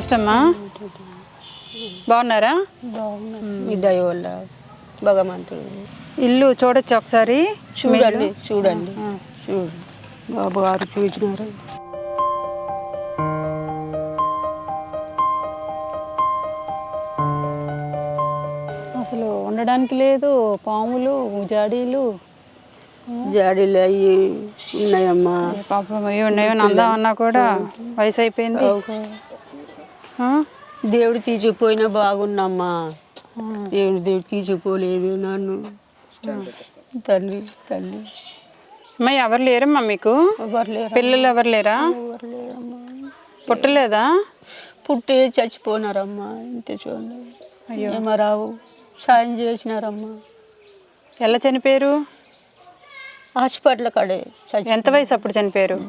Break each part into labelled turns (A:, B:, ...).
A: నమస్తే అమ్మా. బాగున్నారా?
B: మీ దయ వల్ల భగవంతుడు.
A: ఇల్లు చూడొచ్చు ఒకసారి?
B: చూడండి చూడండి బాబు గారు చూసినారు.
A: అసలు ఉండడానికి లేదు, పాములు జాడీలు
B: జాడీలు అవి ఉన్నాయమ్మా.
A: పాపం అవి ఉన్నాయో అందామన్నా కూడా వయసు అయిపోయింది.
B: దేవుడు తీసుకుపోయినా బాగున్నామ్మా. దేవుడు తీసుకుపోలేదు నన్ను. తల్లి తల్లి
A: అమ్మా ఎవరు లేరమ్మా మీకు?
B: ఎవరు లేరు.
A: పిల్లలు ఎవరు లేరా?
B: ఎవరు లేరమ్మా.
A: పుట్టలేదా?
B: పుట్టి చచ్చిపోయినారమ్మా. ఇంత చూడండి. అయ్యో ఏమరావు సాయం చేసినారమ్మా.
A: ఎలా చనిపోయారు?
B: హాస్పిటల్ కాడే.
A: ఎంత వయసు అప్పుడు చనిపోయారు?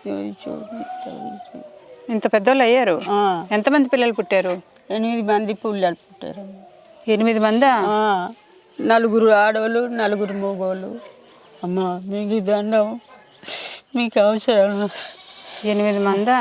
A: ఇంత పెద్దోళ్ళు అయ్యారు. ఎంతమంది పిల్లలు పుట్టారు?
B: 8 మంది పిల్లలు పుట్టారు.
A: 8 మందా?
B: 4 ఆడవాళ్ళు 4 మగవాళ్ళు. అమ్మ మీకు దండం, మీకు అవసరం.
A: 8 మందా?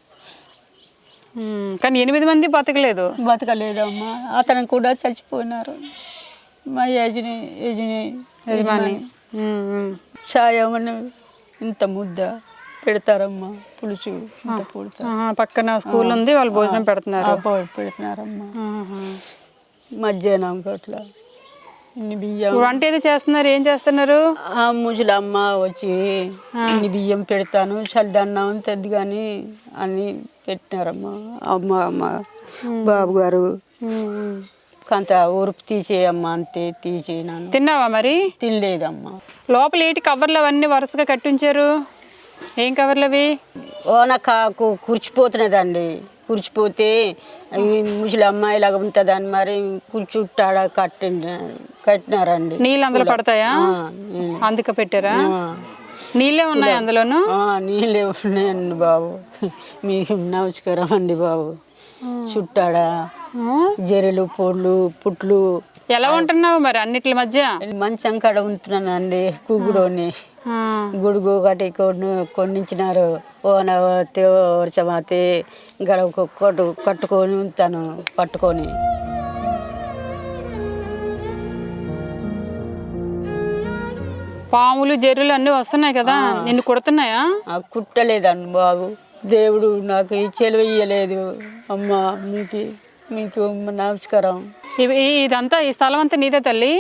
A: కానీ 8 మంది బతకలేదు.
B: బతకలేదమ్మా. అతను కూడా చచ్చిపోయినారు. మా యజమాని సాయం ఇంత ముద్ద పెడతారమ్మా. పులుసు ఇంత
A: పక్కన స్కూల్ ఉంది, వాళ్ళు భోజనం పెడుతున్నారు.
B: పెడుతున్నారమ్మా. మధ్యాహ్నం అట్లా ఇన్ని బియ్యం.
A: వంట ఏది చేస్తున్నారు? ఏం చేస్తున్నారు?
B: ముసలమ్మ వచ్చి ఇన్ని బియ్యం పెడతాను, చల్లదన్నం తెద్దు కానీ అని పెట్టినారమ్మా. అమ్మ బాబు గారు కొంత ఊరుపు తీసేయమ్మా అంటే తీసేనాను.
A: తిన్నావా మరి?
B: తినలేదమ్మా.
A: లోపల ఏంటి కవర్లు అవన్నీ వరుసగా కట్టించారు? ఏం కవర్లు అవి?
B: ఓనకాకు కూర్చిపోతున్నదండి. కూర్చిపోతే అవి ముసలి అమ్మాయిలాగా ఉంటుందని మరి కూర్చుట్టాడ కట్టినారండి.
A: నీళ్ళు అందులో పడతాయా? అందుకే పెట్టారా? నీళ్ళే ఉన్నాయి అందులోను?
B: నీళ్ళే ఉన్నాయండి బాబు. మీకు నమస్కారం అండి బాబు. చుట్టాడా జెరెలు పొడ్లు పుట్లు.
A: ఎలా ఉంటున్నావు మరి అన్నిటి మధ్య?
B: మంచం కాడ ఉంటున్నానండి. కూగుడోని గుడుగు ఒకటి కొన్నించినారు. ఓనతే వర్షమాతే గడవ కట్టుకొని ఉంటాను పట్టుకొని.
A: పాములు జర్రులు అన్నీ వస్తున్నాయి కదా, నిన్ను కుడుతున్నాయా?
B: కుట్టలేదండి బాబు. దేవుడు నాకు చెలవేయలేదు అమ్మ. మీకు నమస్కారం.
A: ఇదంతా ఈ స్థలం అంతా నీదే తల్లి?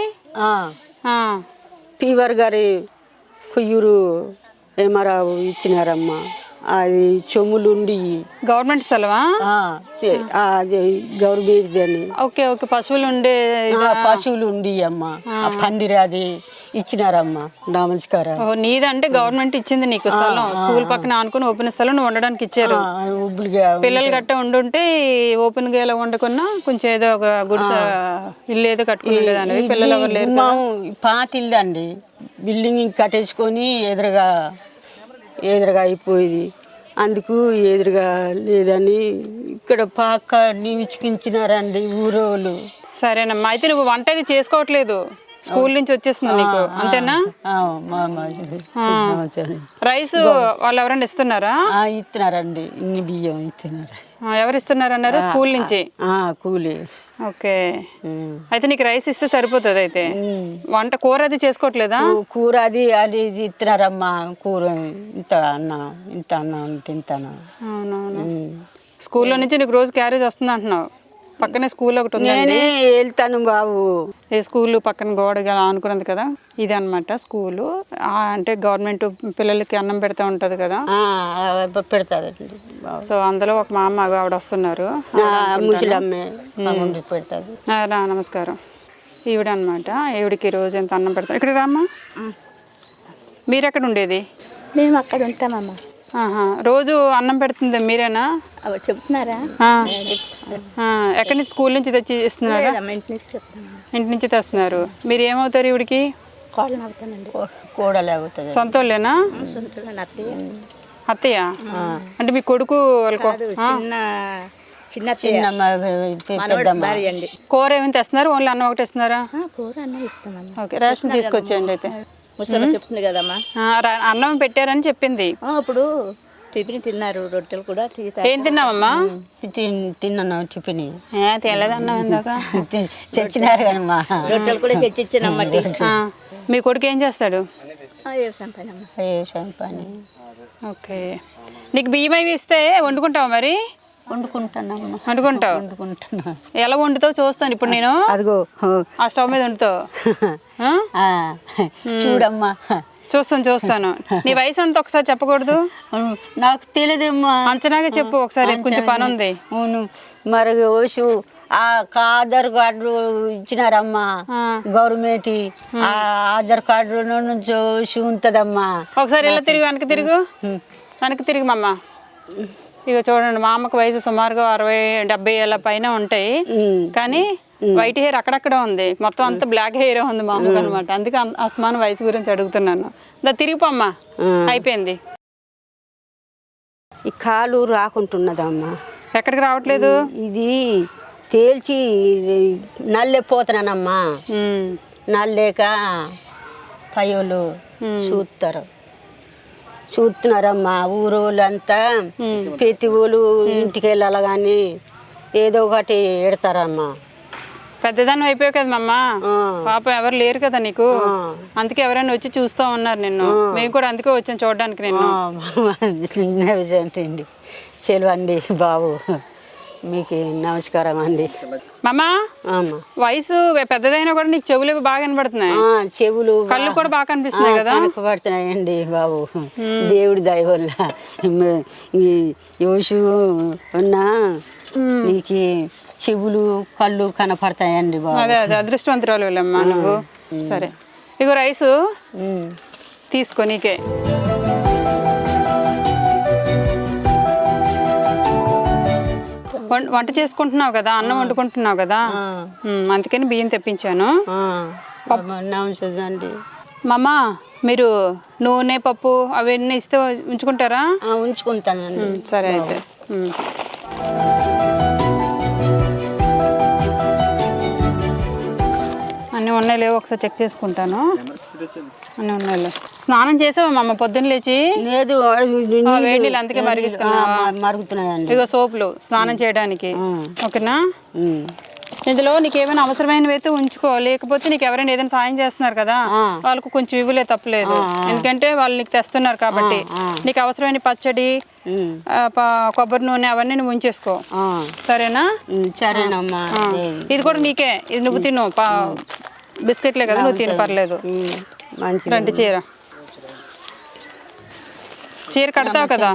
B: పీవర్ గారి కుయ్యూరు ఏమరావు ఇచ్చినారమ్మా. అది చెములుండి
A: గవర్నమెంట్ స్థలమా?
B: గవర్నమెంట్ అని.
A: Okay okay. పశువులు ఉండే
B: పశువులు ఉండి అమ్మా. పందిరి అది ఇచ్చినారమ్మా. నమస్కారం.
A: నీదంటే గవర్నమెంట్ ఇచ్చింది నీకు స్థలం. స్కూల్ పక్కన ఆనుకుని ఓపెన్ స్థలం నువ్వు ఉండడానికి ఇచ్చారు. పిల్లలు గట్ట ఉండుంటే ఓపెన్ గా ఎలా వండుకున్నా కొంచెం ఏదో ఒక గుడిసె ఇల్లు ఏదో కట్టుకునేదాన్ని. పిల్లలు ఎవరు లేరు.
B: పాత ఇల్లు అండి. బిల్డింగ్ కట్టేసుకొని ఎదురుగా అయిపోయింది. అందుకు ఎదురుగా లేదని ఇక్కడ పాక నివిచుకించినారండి ఊరోళ్ళు.
A: సరేనమ్మా. అయితే నువ్వు వంట అది చేసుకోవట్లేదు, స్కూల్ నుంచి వచ్చేస్తుంది నీకు, అంతేనా? రైస్ వాళ్ళు ఎవరైనా ఇస్తున్నారా?
B: ఇస్తున్నారండి. ఇన్ని బియ్యం ఇస్తున్నారు.
A: ఎవరు ఇస్తున్నారు అన్నారు? స్కూల్ నుంచి
B: కూలి.
A: ఓకే. అయితే నీకు రైస్ ఇస్తే సరిపోతుంది. అయితే వంట కూర అది చేసుకోవట్లేదా?
B: కూర అది ఇస్తున్నారమ్మా. కూర ఇంత అన్నం తింటాను.
A: అవునవును. స్కూల్లో నుంచి నీకు రోజు క్యారేజ్ వస్తుంది అంటున్నావు. పక్కనే స్కూల్ ఒకటి ఉంది.
B: నేనే వెళ్తాను బాబు.
A: ఏ స్కూల్ పక్కన గోడగా అనుకున్నది కదా, ఇది అనమాట స్కూలు. అంటే గవర్నమెంట్ పిల్లలకి అన్నం పెడతా ఉంటది కదా,
B: పెడతారు.
A: సో అందులో ఒక మా అమ్మ ఆవిడ వస్తున్నారు. నమస్కారం. ఈవిడ అనమాట. ఈవిడికి రోజు ఎంత అన్నం పెడతారు. ఇక్కడ రామ్మా. మీరు ఎక్కడ ఉండేది?
C: మేము అక్కడ ఉంటామమ్మా.
A: రోజు అన్నం పెడుతుంది మీరేనా?
C: చెప్తున్నారా?
A: ఎక్కడి నుంచి? స్కూల్ నుంచి తెచ్చి ఇస్తున్నారా? ఇంటి నుంచి తెస్తున్నారు. మీరు ఏమవుతారు ఈవిడికి?
B: కోడలు అవుతుంది.
A: సొంత వాళ్ళేనా? అత్తయ్య అంటే మీ కొడుకు? కూర ఏమైనా తెస్తున్నారు? ఓన్లీ అన్నం ఒకటి ఇస్తున్నారా? ఓకే. రేషన్ తీసుకొచ్చేయండి. అయితే
C: ముసలి చెప్తుంది కదమ్మా.
A: అన్నం పెట్టారని చెప్పింది.
C: ఇప్పుడు టిఫిన్ తిన్నారు, రొట్టెలు కూడా
A: ఏం తిన్నావమ్మా?
B: తిన్నాను టిఫిన్.
A: తెల్లదన్నా ఇందాక
B: తెచ్చినారు కానీ మా
C: రొట్టెలు కూడా తెచ్చిచ్చానమ్మ.
A: మీ కొడుకు ఏం చేస్తాడు?
C: వ్యవసాయం పని అమ్మ.
B: వ్యవసాయం పని.
A: ఓకే. నీకు బియ్యం అవి ఇస్తే వండుకుంటావా మరి?
B: వండుకుంటానమ్మా.
A: వండుకుంటావు?
B: వండుకుంటున్నా.
A: ఎలా వండుతావు చూస్తాను ఇప్పుడు నేను.
B: అదిగో
A: ఆ స్టవ్ మీద వండుతావు?
B: చూడమ్మా.
A: చూస్తాను. నీ వయసు అంతా ఒకసారి చెప్పకూడదు?
B: నాకు తెలియదమ్మా.
A: అంచనాగా చెప్పు ఒకసారి, కొంచెం పని ఉంది.
B: అవును. మరి ఓషు ఆ ఆధార్ కార్డు ఇచ్చినారమ్మా గవర్నమెంట్. ఆ ఆధార్ కార్డు నుంచి ఓషు ఉంటదమ్మా.
A: ఒకసారి ఇలా తిరుగు, వెనక్కి తిరిగి మమ్మ. ఇక చూడండి, మా అమ్మకి వయసు సుమారుగా 60-70 ఏళ్ళ పైన ఉంటాయి, కానీ వైట్ హెయిర్ అక్కడక్కడ ఉంది, మొత్తం అంతా బ్లాక్ హెయిర్ ఉంది మా అమ్మకి అనమాట. అందుకే అస్తమానం వయసు గురించి అడుగుతున్నాను. తిరిగిపోమ్మా. అయిపోయింది.
B: ఈ కాలు రాకుంటున్నదమ్మా.
A: ఎక్కడికి రావట్లేదు?
B: ఇది తేల్చి నల్లెపోతున్నానమ్మా. నల్లేక పయోలు చూస్తున్నారమ్మా. ఊరోళ్ళంతా ప్రతి ఊళ్ళు ఇంటికి వెళ్ళాలి కానీ ఏదో ఒకటి ఎడతారమ్మా.
A: పెద్దదాన్ని అయిపోయావు కదా మమ్మ, పాపం ఎవరు లేరు కదా నీకు, అందుకే ఎవరైనా వచ్చి చూస్తూ ఉన్నారు నిన్ను. మేము కూడా అందుకే వచ్చాం చూడడానికి నిన్ను.
B: అండి సెలవండి బాబు, మీకు నమస్కారం అండి.
A: మమ్మ, వయసు పెద్దదైనా కూడా నీకు చెవులు బాగా కనబడుతున్నాయి,
B: చెవులు
A: కళ్ళు కూడా బాగా కనిపిస్తున్నాయి కదా?
B: కనపడుతున్నాయండి బాబు, దేవుడి దయ వల్ల. యోషు ఉన్నా నీకు చెవులు కళ్ళు కనపడతాయండి బాబు.
A: అదే అదృష్టవంతురాలు వెళ్ళమ్మా నువ్వు. సరే, ఇగో రైసు తీసుకో నీకే. వంట చేసుకుంటున్నావు కదా, అన్నం వండుకుంటున్నావు కదా, అందుకని బియ్యం తెప్పించాను.
B: అండి
A: మమ్మ, మీరు నూనె పప్పు అవన్నీ ఇస్తే ఉంచుకుంటారా?
B: ఉంచుకుంటానండి.
A: సరే అయితే. అన్నీ ఉన్నాయి లేవు ఒకసారి చెక్ చేసుకుంటాను. అన్నీ ఉన్నాయి. స్నానం చేసావా మమ్మ పొద్దున్న లేచి?
B: లేదు,
A: వేడి నీళ్ళు అందుకే
B: మరుగుతున్నాయండి.
A: ఇగో సోపులు స్నానం చేయడానికి. ఓకేనా? ఇందులో నీకు ఏమైనా అవసరమైనవి అయితే ఉంచుకో, లేకపోతే నీకు ఎవరైనా ఏదైనా సాయం చేస్తున్నారు కదా వాళ్ళకు కొంచెం ఇవ్వలే, తప్పలేదు. ఎందుకంటే వాళ్ళు నీకు తెస్తున్నారు కాబట్టి. నీకు అవసరమైన పచ్చడి, కొబ్బరి నూనె అవన్నీ నువ్వు ఉంచేసుకో. సరేనా?
B: సరేనమ్మా.
A: ఇది కూడా నీకే, ఇది నువ్వు తిను. బిస్కెట్లే కదా, నువ్వు తిని పర్లేదు. రండి, చీర కడతావు కదా?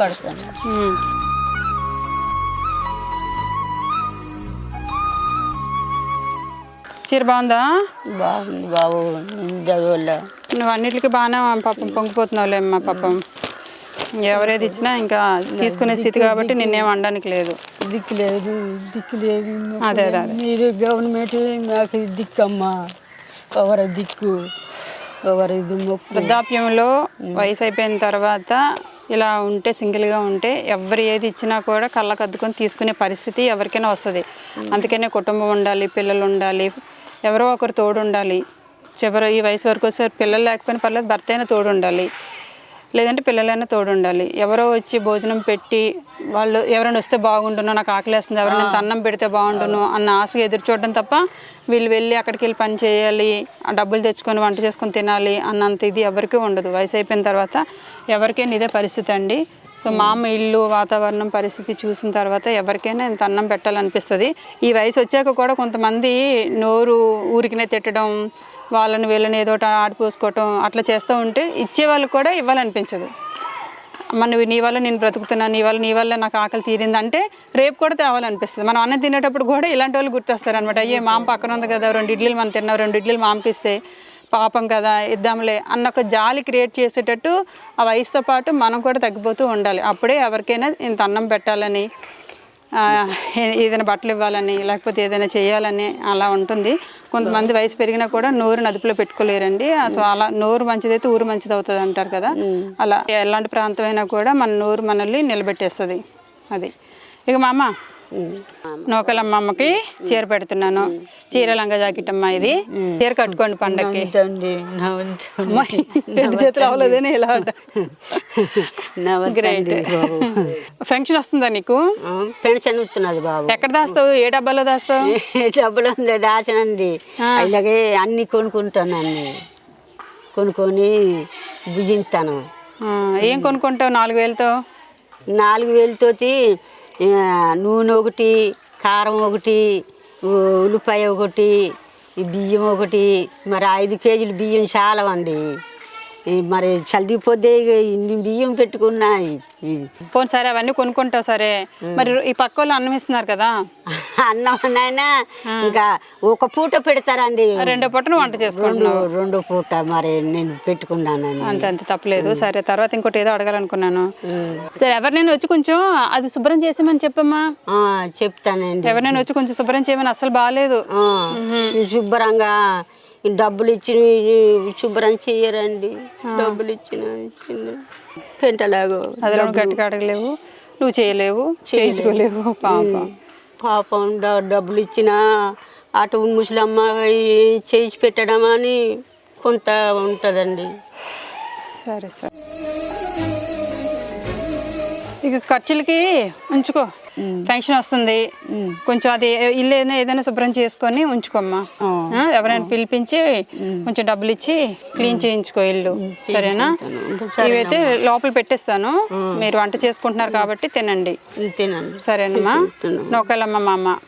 A: చీర బాగుందా?
B: బాగుంది బాబు.
A: నువ్వు అన్నిటికీ బాగానే పాపం పొంగిపోతున్నావులే అమ్మా. పాపం ఎవరేది ఇచ్చినా ఇంకా తీసుకునే స్థితి కాబట్టి నిన్నేం అనడానికి లేదు.
B: దిక్కు లేదు.
A: అదే అదే
B: మీరు గవర్నమెంట్ నాకు దిక్కమ్మా. ఎవరి దిక్కు, ఎవరి
A: వృద్ధాప్యంలో వయసు అయిపోయిన తర్వాత ఇలా ఉంటే, సింగిల్గా ఉంటే ఎవరు ఏది ఇచ్చినా కూడా కళ్ళకు అద్దుకొని తీసుకునే పరిస్థితి ఎవరికైనా వస్తుంది. అందుకనే కుటుంబం ఉండాలి, పిల్లలు ఉండాలి, ఎవరో ఒకరు తోడు ఉండాలి. చివరి ఈ వయసు వరకు వస్తే పిల్లలు లేకపోయినా పర్లేదు, భర్త అయినా తోడు ఉండాలి, లేదంటే పిల్లలైనా తోడు ఉండాలి. ఎవరో వచ్చి భోజనం పెట్టి వాళ్ళు ఎవరైనా వస్తే బాగుండును, నాకు ఆకలేస్తుంది, ఎవరైనా అన్నం పెడితే బాగుండును అన్న ఆశగా ఎదురు చూడడం తప్ప వీళ్ళు వెళ్ళి అక్కడికి వెళ్ళి పని చేయాలి, ఆ డబ్బులు తెచ్చుకొని వంట చేసుకొని తినాలి అన్నంత ఇది ఎవరికీ ఉండదు. వయసు అయిపోయిన తర్వాత ఎవరికైనా ఇదే పరిస్థితి అండి. సో మా అమ్మ ఇల్లు, వాతావరణం, పరిస్థితి చూసిన తర్వాత ఎవరికైనా ఇంత అన్నం పెట్టాలనిపిస్తుంది. ఈ వయసు వచ్చాక కూడా కొంతమంది నోరు ఊరికినే తిట్టడం, వాళ్ళని వీళ్ళని ఏదో ఆడిపోసుకోవటం అట్లా చేస్తూ ఉంటే ఇచ్చే వాళ్ళకి కూడా ఇవ్వాలనిపించదు. నువ్వు నీ వల్ల నేను బ్రతుకుతున్నాను, నీ వల్ల నాకు ఆకలి తీరింది అంటే రేపు కూడా తేవాలనిపిస్తుంది. మనం అన్నం తినేటప్పుడు కూడా ఇలాంటి వాళ్ళు గుర్తొస్తారు అనమాట. అయ్యే మామ పక్కన ఉంది కదా, 2 ఇడ్లీలు మనం తిన్నాం, 2 ఇడ్లీలు మామకి ఇస్తే పాపం కదా, ఇద్దాంలే అన్న ఒక జాలి క్రియేట్ చేసేటట్టు ఆ వయసుతో పాటు మనం కూడా తగ్గిపోతూ ఉండాలి. అప్పుడే ఎవరికైనా ఇంత అన్నం పెట్టాలని, ఏదైనా బట్టలు ఇవ్వాలని, లేకపోతే ఏదైనా చేయాలని అలా ఉంటుంది. కొంతమంది వయసు పెరిగినా కూడా నోరు అదుపులో పెట్టుకోలేరండి. సో అలా నోరు మంచిదైతే ఊరు మంచిది అవుతుంది అంటారు కదా, అలా ఎలాంటి ప్రాంతం అయినా కూడా మన నోరు మనల్ని నిలబెట్టేస్తుంది. అది ఇక మా అమ్మ నూకలమ్మ అమ్మకి చీర పెడుతున్నాను. చీర లంగా జాకెట్ అమ్మ ఇది. చీర కట్టుకోండి పండక్కి. అమ్మాయి, రెండు చేతులు అవ్వలేదని ఇలా గ్రేట్. ఫంక్షన్ వస్తుందా నీకు?
B: పెన్షన్ ఇస్తున్నది బాబు.
A: ఎక్కడ దాస్తావు? ఏ డబ్బాలో దాస్తావు?
B: డబ్బులు ఉంది దాచనండి. అలాగే అన్ని కొనుక్కుంటానండి. కొనుక్కొని భుజిస్తాను.
A: ఏం కొనుక్కుంటావు 4,000తో?
B: 4,000తోటి నూనె ఒకటి, కారం ఒకటి, ఉల్లిపాయ ఒకటి, బియ్యం ఒకటి. మరి 5 కేజీలు బియ్యం చాలా అండి. మరి చల్దిపోతే ఇన్ని బియ్యం పెట్టుకున్నాయి.
A: పోనీ సరే అవన్నీ కొనుక్కుంటావు సరే, మరి ఈ పక్క వాళ్ళు అన్నం ఇస్తున్నారు కదా,
B: అన్నమైనా ఇంకా ఒక పూట పెడతారండి.
A: 2 పూటను వంట చేసుకుంటున్నావు?
B: 2 పూట మరి నేను పెట్టుకున్నానండి.
A: అంత తప్పలేదు. సరే, తర్వాత ఇంకోటి ఏదో అడగాలనుకున్నాను. సరే, ఎవరినైనా వచ్చి కొంచెం అది శుభ్రం చేసామని చెప్పమ్మా.
B: చెప్తానండి.
A: ఎవరినైనా వచ్చి కొంచెం శుభ్రం చేయమని. అసలు బాగాలేదు.
B: శుభ్రంగా డబ్బులు ఇచ్చి శుభ్రం చెయ్యరండి. డబ్బులు ఇచ్చింది పెంటలాగో
A: అదిలో గట్టిగా అడగలేవు, నువ్వు చేయలేవు, చేయించుకోలేవు.
B: పాపం డబ్బులు ఇచ్చినా అటు ముసలమ్మ చేయించి పెట్టడం అని కొంత ఉంటుందండి.
A: సరే సరే, ఇక ఖర్చులకి ఉంచుకో. పెన్షన్ వస్తుంది, కొంచెం అది ఇల్లు ఏదైనా శుభ్రం చేసుకొని ఉంచుకోమ్మా. ఎవరైనా పిలిపించి కొంచెం డబ్బులు ఇచ్చి క్లీన్ చేయించుకో ఇల్లు, సరేనా? ఇవైతే లోపల పెట్టేస్తాను, మీరు వంట చేసుకుంటున్నారు కాబట్టి తినండి. సరేనమ్మా? నూకలమ్మ మా అమ్మ.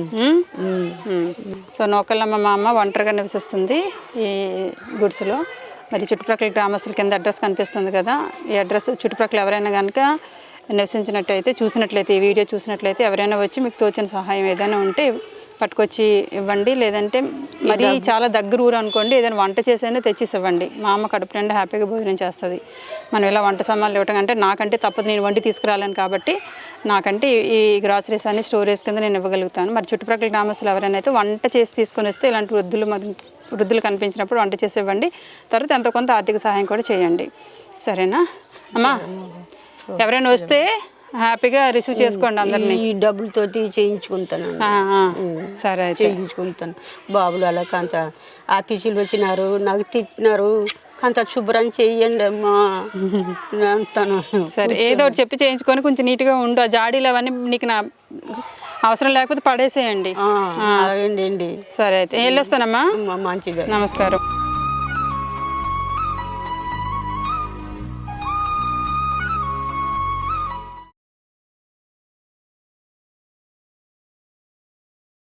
A: సో నూకలమ్మ మా అమ్మ ఒంటరిగా నివసిస్తుంది ఈ గుడిసెలో. మరి చుట్టుప్రక్కల గ్రామస్తుల కింద అడ్రస్ కనిపిస్తుంది కదా, ఈ అడ్రస్ చుట్టుప్రక్కల ఎవరైనా కనుక నివసించినట్టయితే, చూసినట్లయితే, ఈ వీడియో చూసినట్లయితే ఎవరైనా వచ్చి మీకు తోచిన సహాయం ఏదైనా ఉంటే పట్టుకొచ్చి ఇవ్వండి. లేదంటే మరి చాలా దగ్గర ఊరు అనుకోండి, ఏదైనా వంట చేసైనా తెచ్చిసి ఇవ్వండి. మా అమ్మ కడుపు నిండా హ్యాపీగా భోజనం చేస్తుంది. మనం ఇలా వంట సామాన్లు ఇవ్వటం అంటే నాకంటే తప్పదు, నేను వండి తీసుకురాలేను కాబట్టి నాకంటే ఈ గ్రాసరీస్ అన్ని స్టోరేజ్ కింద నేను ఇవ్వగలుగుతాను. మరి చుట్టుప్రక్కల గ్రామస్తులు ఎవరైనా అయితే వంట చేసి తీసుకొని వస్తే ఇలాంటి వృద్ధులు కనిపించినప్పుడు వంట చేసి ఇవ్వండి. తర్వాత ఎంతో కొంత ఆర్థిక సహాయం కూడా చేయండి, సరేనా అమ్మా? ఎవరైనా వస్తే హ్యాపీగా రిసీవ్ చేసుకోండి అందరినీ.
B: ఈ డబ్బులతోటి చేయించుకుంటాను.
A: సరే,
B: చేయించుకుంటాను. బాబులు అలా కొంత ఆఫీసులు వచ్చినారు, నాకు తిట్టినారు, కొంత శుభ్రం చెయ్యండి అమ్మా అంటాను.
A: సరే, ఏదో ఒకటి చెప్పి చేయించుకొని కొంచెం నీట్గా ఉండు. ఆ జాడీలు అవన్నీ నీకు అవసరం లేకపోతే పడేసేయండి.
B: అండి.
A: సరే, అయితే వెళ్ళొస్తానమ్మా.
B: మంచిగా.
A: నమస్కారం.